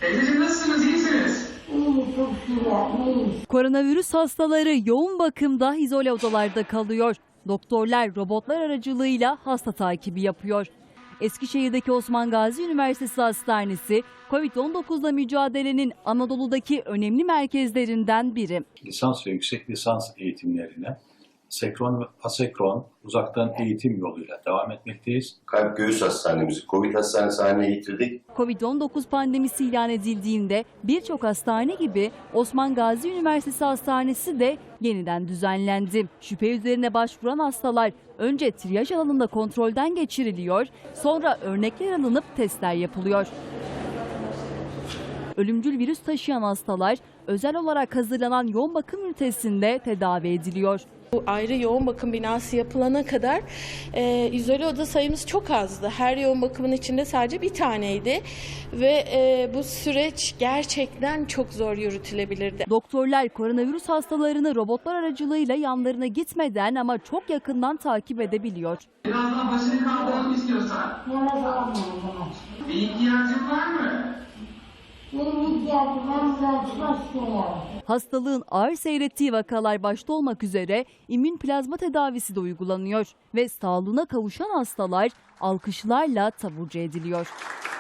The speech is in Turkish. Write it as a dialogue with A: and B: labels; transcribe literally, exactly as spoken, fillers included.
A: Teyzeciğim nasılsınız, iyisiniz?
B: İyi, çok güzel, iyi.
C: Koronavirüs hastaları yoğun bakımda izole odalarda kalıyor. Doktorlar robotlar aracılığıyla hasta takibi yapıyor. Eskişehir'deki Osman Gazi Üniversitesi Hastanesi, Covid on dokuzla mücadelenin Anadolu'daki önemli merkezlerinden biri.
D: Lisans ve yüksek lisans eğitimlerine senkron ve asenkron uzaktan eğitim yoluyla devam etmekteyiz.
E: Kalp göğüs hastanemizi Covid hastanesi haline getirdik.
C: Covid on dokuz pandemisi ilan edildiğinde birçok hastane gibi Osman Gazi Üniversitesi Hastanesi de yeniden düzenlendi. Şüphe üzerine başvuran hastalar önce triyaj alanında kontrolden geçiriliyor, sonra örnekler alınıp testler yapılıyor. Ölümcül virüs taşıyan hastalar özel olarak hazırlanan yoğun bakım ünitesinde tedavi ediliyor.
F: Bu ayrı yoğun bakım binası yapılana kadar e, izole oda sayımız çok azdı. Her yoğun bakımın içinde sadece bir taneydi ve e, bu süreç gerçekten çok zor yürütülebilirdi.
C: Doktorlar koronavirüs hastalarını robotlar aracılığıyla yanlarına gitmeden ama çok yakından takip edebiliyor.
A: Biraz daha başını kaldıralım istiyorsan.
B: Yana gelmiyorum bana.
A: Bir ihtiyacın var mı?
B: Benim ihtiyacım var, çalışmak istiyorum.
C: Hastalığın ağır seyrettiği vakalar başta olmak üzere immün plazma tedavisi de uygulanıyor ve sağlığına kavuşan hastalar alkışlarla taburcu ediliyor.